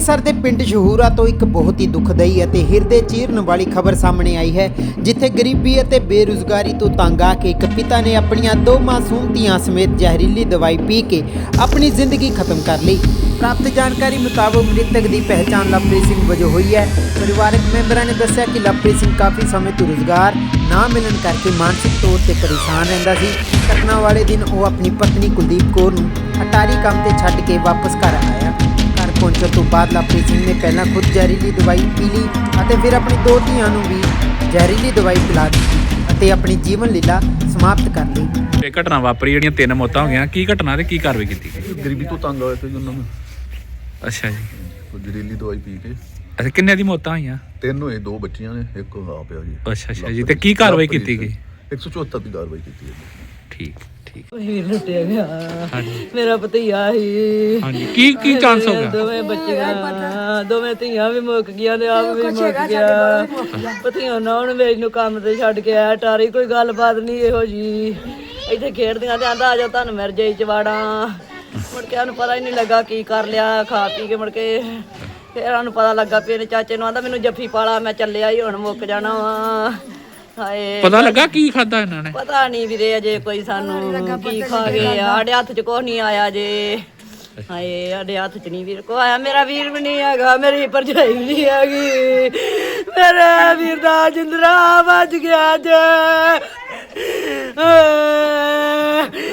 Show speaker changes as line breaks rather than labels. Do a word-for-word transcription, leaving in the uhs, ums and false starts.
ਅੰਮ੍ਰਿਤਸਰ ਦੇ ਪਿੰਡ ਸ਼ਹੂਰਾ ਤੋਂ ਇੱਕ ਬਹੁਤ ਹੀ ਦੁਖਦਾਈ ਅਤੇ ਹਿਰਦੇ ਚੀਰਨ ਵਾਲੀ ਖਬਰ ਸਾਹਮਣੇ ਆਈ ਹੈ, ਜਿੱਥੇ ਗਰੀਬੀ ਅਤੇ ਬੇਰੁਜ਼ਗਾਰੀ ਤੋਂ ਤੰਗ ਆ ਕੇ ਇੱਕ ਪਿਤਾ ਨੇ ਆਪਣੀਆਂ ਦੋ ਮਾਸੂਮ ਧੀਆਂ ਸਮੇਤ ਜ਼ਹਿਰੀਲੀ ਦਵਾਈ ਪੀ ਕੇ ਆਪਣੀ ਜ਼ਿੰਦਗੀ ਖਤਮ ਕਰ ਲਈ। ਪ੍ਰਾਪਤ ਜਾਣਕਾਰੀ ਮੁਤਾਬਕ ਮ੍ਰਿਤਕ ਦੀ ਪਹਿਚਾਣ ਲਵਪ੍ਰੀਤ ਸਿੰਘ ਵਜੋਂ ਹੋਈ ਹੈ। ਪਰਿਵਾਰਕ ਮੈਂਬਰਾਂ ਨੇ ਦੱਸਿਆ ਕਿ ਲਵਪ੍ਰੀਤ ਸਿੰਘ ਕਾਫੀ ਸਮੇਂ ਤੋਂ ਰੁਜ਼ਗਾਰ ਨਾ ਮਿਲਣ ਕਰਕੇ ਮਾਨਸਿਕ ਤੌਰ ਤੇ ਪਰੇਸ਼ਾਨ ਰਹਿੰਦਾ ਸੀ। ਘਟਨਾ ਵਾਲੇ ਦਿਨ ਉਹ ਆਪਣੀ ਪਤਨੀ ਕੁਲਦੀਪ ਕੌਰ ਨੂੰ ਅਟਾਰੀ ਕੰਮ ਤੇ ਛੱਡ ਕੇ ਵਾਪਸ ਘਰ ਆਇਆ। ਘਰ ਪਹੁੰਚਣ ਤੋਂ ਬਾਅਦ ਲਵਪ੍ਰੀਤ ਸਿੰਘ ਨੇ ਪਹਿਲਾਂ ਖੁਦ ਜ਼ਹਿਰੀਲੀ ਦਵਾਈ ਪੀ ਲਈ ਅਤੇ ਫਿਰ ਆਪਣੀ ਦੋ ਧੀਆਂ ਨੂੰ ਵੀ ਜ਼ਹਿਰੀਲੀ ਦਵਾਈ ਪਿਲਾ ਦਿੱਤੀ ਅਤੇ ਆਪਣੀ ਜੀਵਨ ਲੀਲਾ ਸਮਾਪਤ ਕਰ ਲਈ।
ਇਹ ਘਟਨਾ ਵਾਪਰੀ, ਜਿਹੜੀਆਂ ਤਿੰਨ ਮੌਤਾਂ ਹੋ ਗਈਆਂ, ਕੀ ਘਟਨਾ ਤੇ ਕੀ ਕਾਰਵਾਈ ਕੀਤੀ ਗਈ?
ਗਰੀਬੀ ਤੋਂ ਤੰਗ ਹੋਏ ਤੇ ਉਹਨਾਂ ਨੂੰ
ਅੱਛਾ ਜੀ,
ਕੋਈ ਜ਼ਹਿਰੀਲੀ ਦਵਾਈ ਪੀ ਕੇ
ਅੱਛਾ ਕਿੰਨੇ ਦੀ ਮੌਤਾਂ ਹੋਈਆਂ?
ਤਿੰਨ ਹੋਏ, ਦੋ ਬੱਚੀਆਂ ਨੇ, ਇੱਕ ਆਪ ਆ ਜੀ।
ਅੱਛਾ ਅੱਛਾ ਜੀ, ਤੇ ਕੀ ਕਾਰਵਾਈ ਕੀਤੀ ਗਈ?
ਇੱਕ ਸੌ ਚੁਹੱਤਰ ਦੀ ਕਾਰਵਾਈ ਕੀਤੀ ਹੈ।
ਠੀਕ ਠੀਕ
ਵੀਰ ਲੁੱਟਿਆ ਗਿਆ।
ਹਾਂਜੀ
ਮੇਰਾ ਭਤੀਆ ਸੀ।
ਹਾਂਜੀ, ਕੀ ਕੀ ਚਾਂਸ ਹੋ ਗਿਆ?
ਦੋਵੇਂ ਬੱਚੀਆਂ, ਦੋਵੇਂ ਧੀਆਂ ਵੀ ਮੁੱਕ ਗਈਆਂ ਤੇ ਆਪ ਵੀ ਮੁੱਕ ਗਿਆ। ਭਤੀਆ ਨਾ ਹੁਣ ਵੇਚ ਨੂੰ ਕੰਮ ਤੇ ਛੱਡ ਕੇ ਆਇਆ ਟਾਰੀ। ਕੋਈ ਗੱਲਬਾਤ ਨਹੀਂ ਇਹੋ ਜੀ, ਇੱਥੇ ਖੇਡਦੀਆਂ ਤੇ ਆਂਦਾ ਆ ਜਾ ਤੁਹਾਨੂੰ ਮਿਰ ਜਾਈ ਚਵਾੜਾਂ। ਮੁੜ ਕੇ ਉਹਨੂੰ ਪਤਾ ਹੀ ਨਹੀਂ ਲੱਗਾ ਕੀ ਕਰ ਲਿਆ, ਖਾ ਪੀ ਕੇ ਮੁੜ ਕੇ ਫਿਰ ਉਹਨੂੰ ਪਤਾ ਲੱਗਾ ਵੀ ਇਹਨੇ ਚਾਚੇ ਨੂੰ ਆਂਦਾ ਮੈਨੂੰ ਜੱਫੀ ਪਾਲਾ, ਮੈਂ ਚੱਲਿਆ ਹੀ ਹੁਣ ਮੁੱਕ ਜਾਣਾ ਵਾ। ਹਾਏ
ਪਤਾ ਲੱਗਾ ਕੀ ਖਾਦਾ ਇਹਨਾਂ ਨੇ?
ਪਤਾ ਨਹੀਂ ਵੀਰੇ ਅਜੇ ਕੋਈ ਸਾਨੂੰ ਕੀ ਖਾ ਗਏ। ਸਾਡੇ ਹੱਥ 'ਚ ਕੁਛ ਨਹੀਂ ਆਇਆ ਜੇ। ਹਾਏ ਸਾਡੇ ਹੱਥ 'ਚ ਨਹੀਂ ਵੀਰ ਕੋ ਆਇਆ। ਮੇਰਾ ਵੀਰ ਵੀ ਨਹੀਂ ਹੈਗਾ, ਮੇਰੀ ਭਰਜਾਈ ਵੀ ਨਹੀਂ ਹੈਗੀ। ਮੇਰੇ ਵੀਰ ਦਾ ਜਿੰਦਰਾ ਵੱਜ ਗਿਆ ਜੇ।